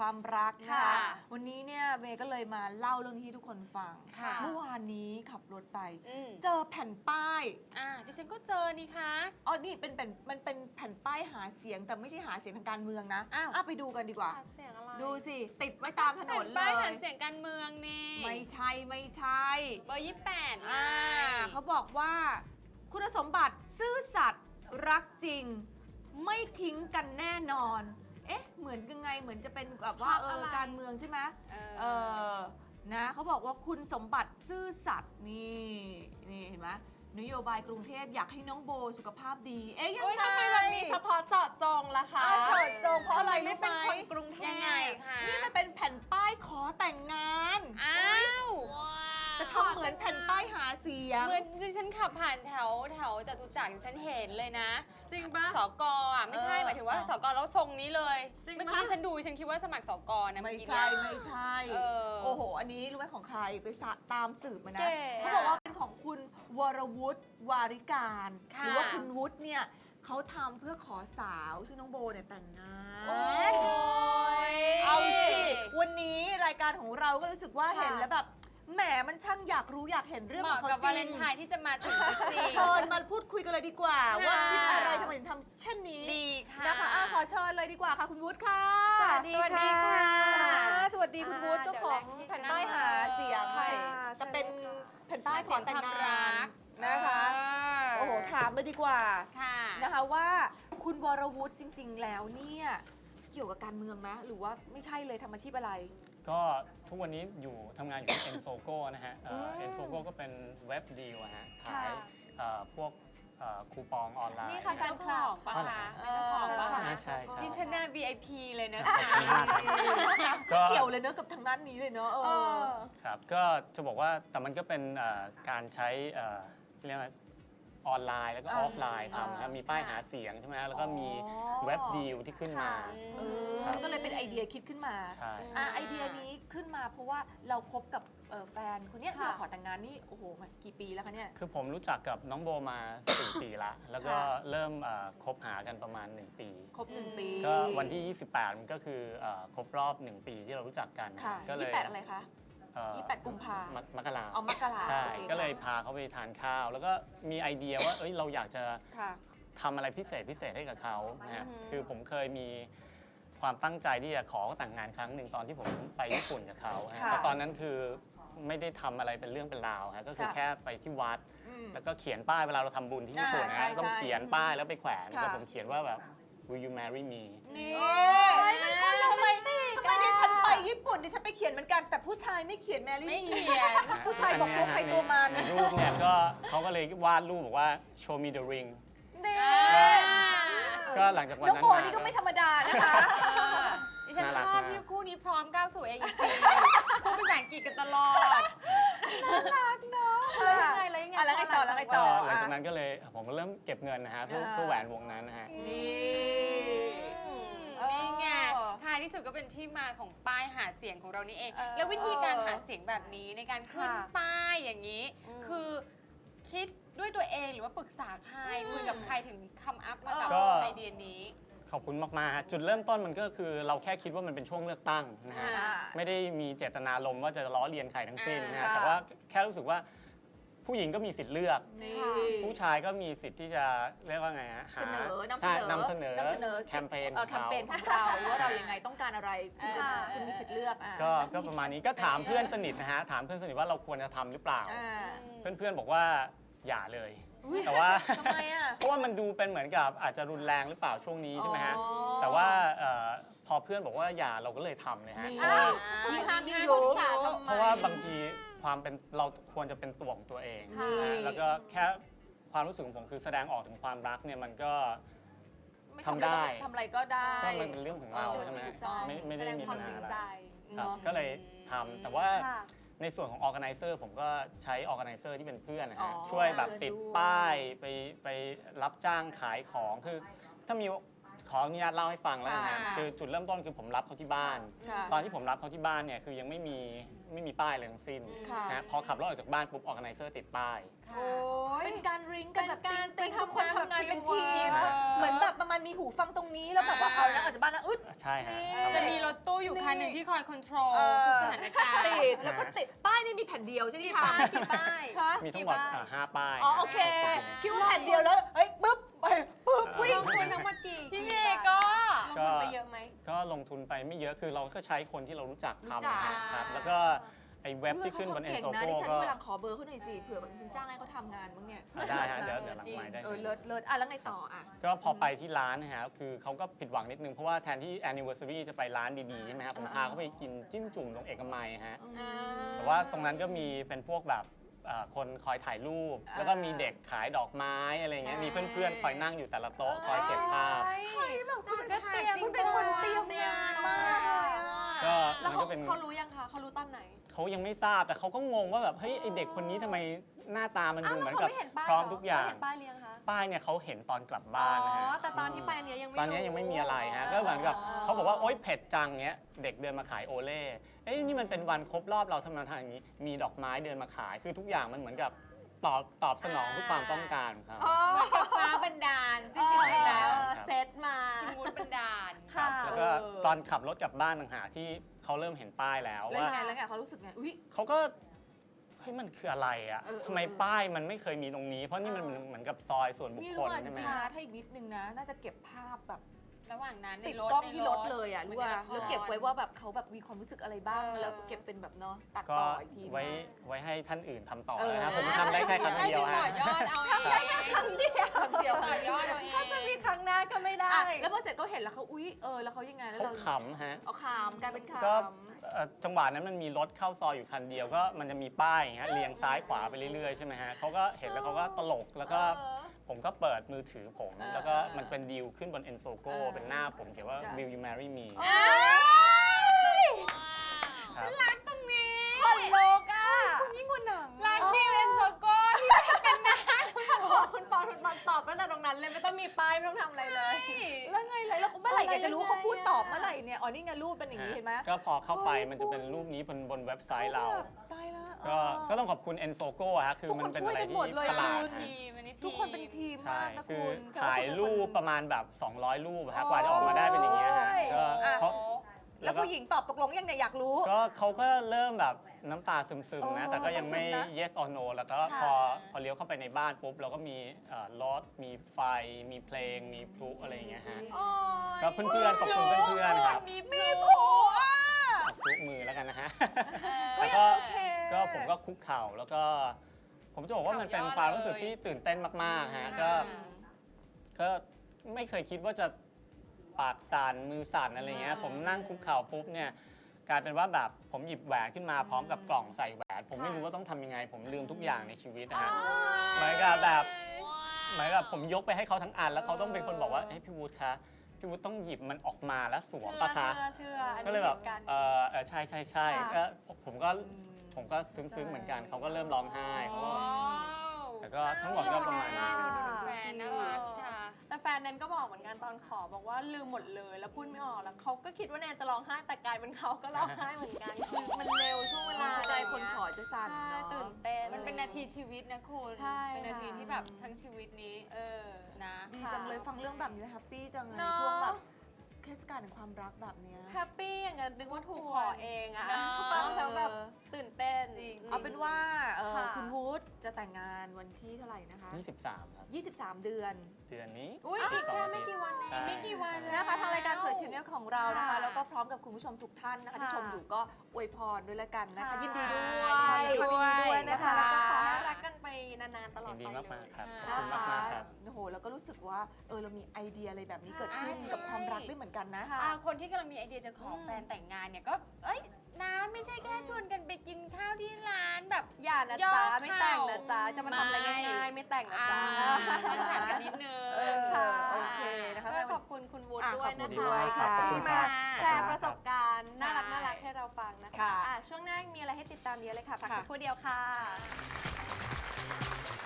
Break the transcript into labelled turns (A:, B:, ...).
A: ความรักนะคะวันนี้เนี่ยเมย์ก็เลยมาเล่าเรื่องที่ทุกคนฟังเมื่อวานนี้ขับรถไปเจอแผ่นป้าย
B: ดิฉันก็เจอนี่คะ
A: อ๋อนี่มันเป็นแผ่นป้ายหาเสียงแต่ไม่ใช่หาเสียงทางการเมืองนะไปดูกันดีกว่าดูสิติดไว้ตามถนนเลย
B: ป้ายหาเสียงการเมืองนี่
A: ไม่ใช่เ
B: บอร์28
A: เขาบอกว่าคุณสมบัติซื่อสัตย์รักจริงไม่ทิ้งกันแน่นอนเหมือนยังไงเหมือนจะเป็นแบบว่าการเมืองใช่ไหมนะเขาบอกว่าคุณสมบัติซื่อสัตย์นี่เห็นไหมนโยบายกรุงเทพอยากให้น้องโบสุขภาพดี
C: ยังไงทำไมแบบนี้เฉพาะเจาะจงล่ะคะ
A: เจาะจงเพราะอะไร
C: ไม่เป็นคนกรุงเทพ
B: ยังไงคะ
A: นี่มันเป็นแผ่นป้ายขอแต่งงานแต่ทำเหมือนแผ่นป้ายหาเสียง
B: เหมือนดิฉันขับผ่านแถวจตุจักรฉันเห็นเลยนะ
C: จริงปะ
B: สกไม่ใช่หมายถึงว่าสกแล้วทรงนี้เลยเมื่อกี้ฉันดูฉันคิดว่าสมัครสกนะ
A: ไม่ใช่โอ้โหอันนี้รู้ไหมของใครไปตามสืบมานะเขาบอกว่าเป็นของคุณวรวุฒิวาริการหรือว่าคุณวุฒิเนี่ยเขาทำเพื่อขอสาวชื่อน้องโบเนี่ยแต่งงานเอาสิวันนี้รายการของเราก็รู้สึกว่าเห็นแล้วแบบแหมมันช่างอยากรู้อยากเห็นเรื่องของเขาจริง
B: กับวาเลนไทน์ที่จะมาถึงจริง
A: เชิญมาพูดคุยกันเลยดีกว่าว่าคิดอะไรทำไมถึงทำเช่นนี้
B: ดีค่ะ
A: นะคะขอเชิญเลยดีกว่าค่ะคุณวุฒิค่ะ
B: สวัสดีค่ะ
A: สวัสดีคุณวุฒิเจ้าของแผ่นป้ายหาเสียงค่ะจะเป็นแผ่นป้ายขอแต่งงานนะคะโอ้โหถามเลยดีกว่านะคะว่าคุณวรวุฒิจริงๆแล้วเนี่ยเกี่ยวกับการเมืองไหมหรือว่าไม่ใช่เลยทำอาชีพอะไร
D: ก็ทุกวันนี้ทำงานอยู่ที่ Ensogo นะฮะ Ensogo ก็เป็นเว็บดีลฮะขายพวกคูปองออนไลน์
B: นี่ค่ะเจ้าของปะคะเป็นเจ้าของปะคะ
D: ใช่
B: ดิฉันน่า VIP เลยนะคะ
A: เกี่ยวเลยเนอะกับทางด้านนี้เลยเนอะ
D: ครับก็จะบอกว่าแต่มันก็เป็นการใช้เรียกว่าออนไลน์แล้วก็ออฟไลน์ทำครับมีป้ายหาเสียงใช่ไหมแล้วก็มีเว็บดีลที่ขึ้นมา
A: ก็เลยเป็นไอเดียคิดขึ้นมาไอเดียนี้ขึ้นมาเพราะว่าเราคบกับแฟนคนนี้ที่เราขอแต่งงานนี่โอ้โหกี่ปีแล้วคะเนี่ย
D: คือผมรู้จักกับน้องโบมา4 ปีละแล้วก็เริ่มคบหากันประมาณ1 ปี
A: ครบ1 ปี
D: ก็วันที่28มันก็คือครบรอบ1 ปีที่เรารู้จักกัน
A: ก็เลย28อะไรคะ28 กุมภาพันธ์
D: มกรา
A: มกรา
D: ใช่ก็เลยพาเขาไปทานข้าวแล้วก็มีไอเดียว่าเราอยากจะทำอะไรพิเศษให้กับเขานะฮะคือผมเคยมีความตั้งใจที่จะขอแต่งงานครั้งหนึ่งตอนที่ผมไปญี่ปุ่นกับเขาแต่ตอนนั้นคือไม่ได้ทำอะไรเป็นเรื่องเป็นราวก็คือแค่ไปที่วัดแล้วก็เขียนป้ายเวลาเราทำบุญที่ญี่ปุ่นนะต้องเขียนป้ายแล้วไปแขวนแต่ผมเขียนว่าแบบ Will you marry me
A: นี่ทำไมดิฉันไปญี่ปุ่นดิฉันไปเขียนเหมือนกันแต่ผู้ชายไม่เขียนแมรี่มีผู้ชายบอกตัวใครตัวมัน
D: รูปเนี่ยก็เขาก็เลยวาดรูปบอกว่า show me the ring ก็หลังจากวันนั้น
A: น้องโบนี่ก็ไม่ธรรมดานะคะ
B: ดิฉันชอบที่คู่นี้พร้อมก้าวสู่ AEC พูดภาษาอังกฤษกันตลอด
A: น่ารักเนาะแล้วไงต่อหลั
D: งจากนั้นก็เลยผมก็เริ่มเก็บเงินนะฮะเพื่อแหวนวงนั้นนะฮะ
B: นี่ไงท้ายที่สุดก็เป็นที่มาของป้ายหาเสียงของเรานี่เองแล้ววิธีการหาเสียงแบบนี้ในการขึ้นป้ายอย่างนี้คือคิดด้วยตัวเองหรือว่าปรึกษาใครคุยกับใครถึงคำอัพมากับไอเดียนี้
D: ขอบคุณมากๆจุดเริ่มต้นมันก็คือเราแค่คิดว่ามันเป็นช่วงเลือกตั้งนะฮะไม่ได้มีเจตนารมณ์ว่าจะล้อเลียนใครทั้งสิ้นนะแต่ว่าแค่รู้สึกว่าผู้หญิงก็มีสิทธิ์เลือกผู้ชายก็มีสิทธิ์ที่จะเรียกว่าไงฮะนำเสนอแคมเปญ
A: ของเราว่าเรายังไงต้องการอะไรคุณมีสิทธิ์เลือก
D: ก็ประมาณนี้ก็ถามเพื่อนสนิทนะฮะถามเพื่อนสนิทว่าเราควรจะทำหรือเปล่าเพื่อนๆบอกว่าอย่าเลยแต่ว่าเพราะว่ามันดูเป็นเหมือนกับอาจจะรุนแรงหรือเปล่าช่วงนี้ใช่ไหมฮะแต่ว่าพอเพื่อนบอกว่าอย่าเราก็เลยทำเลยฮะเพราะว่าบางทีความเป็นเราควรจะเป็นตัวของตัวเองแล้วก็แค่ความรู้สึกของผมคือแสดงออกถึงความรักเนี่ยมันก็ทำได้
A: ทำอะไรก็ได้
D: ก็มันเป็นเรื่องของเราใช่ไหมไม่ได้มีปัญหาอะไรก็เลยทำแต่ว่าในส่วนของ organizer ผมก็ใช้ organizer ที่เป็นเพื่อนนะฮะช่วยแบบติดป้ายไปรับจ้างขายของคือถ้ามีขขออนุญาตเล่าให้ฟังแล้วนะ
A: ค่ะ
D: คือจุดเริ่มต้นคือผมรับเขาที่บ้าน
A: ค่ะ
D: ตอนที่ผมรับเขาที่บ้านเนี่ยคือยังไม่มีป้ายอะไรทั้งสิ้น
A: ค่ะ
D: นะพอขับรถออกจากบ้านปุ๊บออร์แกไนเซอร์ติดป้าย
C: โอ้ย
A: เป็นการริงกันแบบ
C: เป็นการ
A: ติ๊งๆทุกคน
C: ทำงาน
A: ทำงานเป็น
C: แบบ
A: ทีม
C: teamwork
A: เหมือนแบบประมาณมีหูฟังตรงนี้แล้วแบบว่าเอาแล้วออกจากบ้านนะอึด
D: ใช่ฮะ
A: นี่
B: จะมีรถตู้อยู่คันหนึ่งที่คอยคอนโทรล
A: เออ
B: ทุกสถานการณ์
A: ติดแล้วก็ติดป้ายนี่มีแผ่นเดียวใช่ไหม
C: กี่
A: คะ
C: ป้ายกี่ป้าย
A: ฮะ
D: มีทั้งหมด5 ป้าย
A: อ๋อโอเคคิดว่าแผ่นเดียวแล้วเอ้ยปึ๊บไปปึ๊บวิ่
C: ล
A: ง
C: งทุนทั้งหมดกี่
B: พี่เมย์ก็
C: ลงทุนไปเยอะไหม
D: ก็ลงทุนไปไม่เยอะคือเราก็ใช้คนที่เรารู้จัก
A: รู้จัก
D: ทำครับแล้วก็ไอ้เว็บที่ขึ้นบน
A: เก่ง
D: Enso
A: นะ
D: Go
A: ดิฉัน
D: ก็
A: เวลาขอเบอร์เขาหน่อยสิเผื่อแบบจริงๆจ้างให้เขาทำงานบ้างเนี่ย
D: ได้ฮะเดี๋ยวหลังไม้ได้
A: เลิศอ่ะแล้วไงต่ออ่ะ
D: ก็พอไปที่ร้านนะฮะคือเขาก็ผิดหวังนิดนึงเพราะว่าแทนที่ anniversary จะไปร้านดีๆใช่ไหมฮะผมพาเขาไปกินจิ้มจุ่มตรงเอกมัยฮะแต่ว่าตรงนั้นก็มีเป็นพวกแบบคนคอยถ่ายรูป แล้วก็มีเด็กขายดอกไม้อะไรเงี้ยมีเพื่อนๆคอยนั่งอยู่แต่ละโต๊ะคอยเก็บภาพ
C: เฮ้ยแบบคุณก็เตรียมคุณเป็นคนเตรียมงานมากเลยอะ
D: ก็
C: แล้ว
D: มันก็เป็น
C: เขารู้ยังคะเขารู้ตอนไหน
D: เขายังไม่ทราบแต่เขาก็งงว่าแบบเฮ้ยไอเด็กคนนี้ทำไมหน้าตามันดูเหมือนกับ
C: เขาไม่เห็นป้าย
D: พร้อมทุกอย่าง
C: เห็นป้ายเรียงคะ
D: ป้ายเนี่ยเขาเห็นตอนกลับ
C: อ๋
D: บ้านนะฮะ
C: อแต่ตอนที่ไปอันเนี้ยยังไม่
D: ตอนนี้ยังไม่มีอะไรฮะก็เหมือนกับเขาบอกว่าโอ๊ยเผ็ดจังเนี้ยเด็กเดินมาขายโอเล่เอ้ยนี่มันเป็นวันครบรอบเราทำไมทำอย่างนี้มีดอกไม้เดินมาขายคือทุกอย่างมันเหมือนกับตอบสนองทุกความต้องการของเขา
C: อ๋อ
B: เหมือนกับฟ้าบันดาลซึ่งจริงๆแล้ว
C: เซตมา
B: คุณวุฒิบันดาล
C: ค่ะ
D: แล้วก็ตอนขับรถกลับบ้านต่างหากที่เขาเริ่มเห็นป้ายแล้ว
A: แล้ว
D: ว่า
A: ไงแล้วไงเขารู้สึกไงอุ้ย
D: เขาก็เฮ้ยมันคืออะไรอ่ะ
A: เออ
D: ทำไมป้ายมันไม่เคยมีตรงนี้ เพราะนี่มันเหมือนกับซอยส่วนบุค
A: นี่
D: ค
A: รู้
D: ล
A: ว่าจ
D: ใช่ไหม
A: ริงๆนะถ้าอีกนิดนึงนะ น่าจะเก็บภาพแบบ
B: ระหว่างนั้นใน
A: ติด
B: รถ
A: กล้อง
B: ใน
A: ที่รถเลยอ่ะรู้ว่าแล้วเก็บไว้ว่าแบบเขาแบบมีความรู้สึกอะไรบ้างแล้วเก็บเป็นแบบเนาะตัด
D: ก็
A: ต่ออีกทีนึง
D: ไว้ให้ท่านอื่นทำต่อ
A: เออ
D: นะครับผมทำได้แค่ครั้งเดียว
B: ให้
D: ฮะ
B: ไปต่อยอดเอาเอง
C: ครั้งเดียว
A: ครั้งเดียว
B: ต่อยอดเอาเอง
C: ถ้าจะมีครั้งหน้าก็ไม่ได้
A: อ่ะแล้วพอเสร็จก็เห็นแล้วเขาอุ๊ยแล้วเขายังไงแล้ว
D: เขา
A: เรา
D: ขำฮะ
A: เอาขามกลายเป็นขาม
D: ก็จังหวะนั้นมันมีรถเข้าซอยอยู่คันเดียวก็มันจะมีป้ายอย่างเงี้ยเรียงซ้ายขวาไปเรื่อยๆใช่ไหมฮะเขาก็เห็นแล้วเขาก็ตลกแล้วก็ผมก็เปิดมือถือผม แล้วก็มันเป็นดีลขึ้นบน Enso Go เป็นหน้าผมเขียนว่า Will you marry me ครับ
B: รักตรงนี้
C: คนโลกอ่ะ
B: ยิ่งกว่าหนังรักบิวเอ็นโซโก้ที่เป็นหน้า
C: ขอคุณปอคุณปอนตอบตั้งแต่ตรงนั้นเลยไม่ต้องมีป้ายไม่ต้องทำอะไรเลย
A: แล้วไงแล้วเมื่อไหร่อยากจะรู้เขาพูดตอบเมื่อไหร่เนี่ยอ๋อนี่ไงรูปเป็นอย่างนี้เห็นไหม
D: ก็พอเข้าไปมันจะเป็นรูปนี้บนเว็บไซต์เรา
A: ตายแล้ว
D: ก็ต้องขอบคุณ Enso Go ฮะคือมันเป็นอะไรที่ฉลาด
B: ทีมอันนี้ทีม
A: ทุกคนเป็นทีม
D: ใช่
A: มากนะ
D: คื
A: คุ
D: อ
A: ณ
D: ถ่ายรูปประมาณแบบ 200 รูปฮะกว่าจะออกมาได้เป็นอย่างเงี้ยฮะก็
A: อ่ะ
D: เพราะ
A: แล้วผู้หญิงตอบตกลงยังเนี่ยอยากรู้
D: ก็เขาก็เริ่มแบบน้ำตาซึมๆนะ
A: อ๋อ
D: แต่ก็ยังไม่
A: ซึมนะ
D: yes or no แล้วก็พอเลี้ยวเข้าไปในบ้านปุ๊บ เราก็มีรถ มีไฟ มีเพลง มีพลุอะไรอย่างเงี้ยฮะ ก็เพื่อนๆขอบคุณเพื่อนๆครับ
B: มีมี
A: โอ้อ่ะ
D: พลุมือแล้วกันนะฮะ
A: ก็
D: แล้ว
A: ยัง
D: ก็
A: โอเค
D: ก็ผมก็คุกเข่าแล้วก็ ผมจะบอกว่ามันเป็นความรู้สึกที่ตื่นเต้นมากๆฮะก็ไม่เคยคิดว่าจะปากสั่นมือสั่นอะไรเงี้ยผมนั่งคุกเข่าปุ๊บเนี่ยกลายเป็นว่าแบบผมหยิบแหวนขึ้นมาพร้อมกับกล่องใส่แหวนผมไม่รู้ว่าต้องทำยังไง ผมลืมทุกอย่างในชีวิตนะฮะเหมือนกับผมยกไปให้เขาทั้งอันแล้วเขาต้องเป็นคนบอกว่าเฮ้ยพี่วูดคะพี่วูดต้องหยิบมันออกมาแล้วสวมปะคะ
C: เชื่ออัน
D: ก็
C: นี้
D: เลยแบบ
C: หมือนกัน
D: ใช่ก็ผมก็ซึ้งๆเหมือนกันเขาก็เริ่มร้องไห้เขาก็แต่ก็ทั้งหมดก็ประมาณนี้
B: แฟนน่ารักจ้า
C: แต่แฟนแนนก็บอกเหมือนกันตอนขอบอกว่าลืมหมดเลยแล้วพูดไม่ออกแล้วเขาก็คิดว่าแนนจะร้องไห้แต่กลายเป็นเขาก็ร้องไห้เหมือนกันคือมันเร็วช่วงเวลา
A: ใจคนขอจะสั่น
C: ใช่
A: เนาะ
C: ตื่นเต้น
B: มันเป็นนาทีชีวิตนะคุณ
C: ใช่
B: เป็นนาที
C: ค่ะ
B: ที่แบบทั้งชีวิตนี้ นะ
A: ดีจังเลยฟังเรื่องแบบนี้แฮปปี้จังเลย
C: เนอะ
A: ช่วงแบบเทศกาลแห่งความรักแบบเนี้ย
C: แฮปปี้อย่างนั้นนึกว่าถูกขอเองอะ
B: เนอะ
C: ฟังแล้วแบบตื่นเต้น
B: จริง
A: เอาเป็นว่า
C: ค่ะ
A: คุณวูดจะแต่งงานวันที่เท่าไหร่นะคะ
D: 23 ครับ
A: 23 เดือน
D: เดือนนี้
C: อุ้ยอีกแค่ไม่กี่วันเอง
D: ใช่
B: ไม่กี่วัน
A: นะคะทางรายการสวยชินเนลของเรานะคะ
C: ค่ะ
A: แล้วก็พร้อมกับคุณผู้ชมทุกท่านนะคะ
C: ค่ะ
A: ที่ชมอยู่ก็อวยพรด้วยละกันนะคะ
C: ค่ะ
A: ยินดีด้วย
C: ยินดีด้วย
A: นะคะ
C: แล้วก็ขอให้รักกันไปนานๆตลอ
D: ยิ
C: ด
D: นดี
C: ไป
D: มาก
C: เลย
D: ๆครับ ข
A: นะ
D: อบคุณ
A: คะ
D: มากๆครับ
A: โอ้โหแล้วก็รู้สึกว่าเรามีไอเดียอะไรแบบนี้เกิดขึ้น
B: ใช่
A: กับความรักได้เหมือนกันนะ
C: ค่ะ
B: คนที่กำลังมีไอเดียจะขอแฟนแต่งงานเนี่ยก็ เอ้ยนะไม่ใช่แค่ชวนกันไปกินข้าวที่ร้านแบบ
C: อย่านะ
B: ย่อ
C: จ๊ะ
B: เข่า
C: ไม่แต่งนะจ๊ะจะมาทำอะไร
B: ไม่
C: ง่ายๆไม่แต่งนะ
B: อ่า
C: จ๊ะ
B: สร้างสรรค์กันนิดนึง
C: ค่ะ
A: โอเคนะคะ
C: ก็ขอบคุณคุณวุฒิ
A: อ่ะ
C: ด้วยนะ
A: ขอบคุณด้
C: คะ
A: วยค่ะ
C: ที่มา
B: ขอบคุณค่ะ
C: แชร์ประสบการณ์
B: ใช่
C: น่ารักให้เราฟังนะคะ
A: ค่ะ
C: ช่วงหน้ามีอะไรให้ติดตามเยอะเลยค่ะพัก
A: ค่ะ
C: สักครู่เดียวค่ะ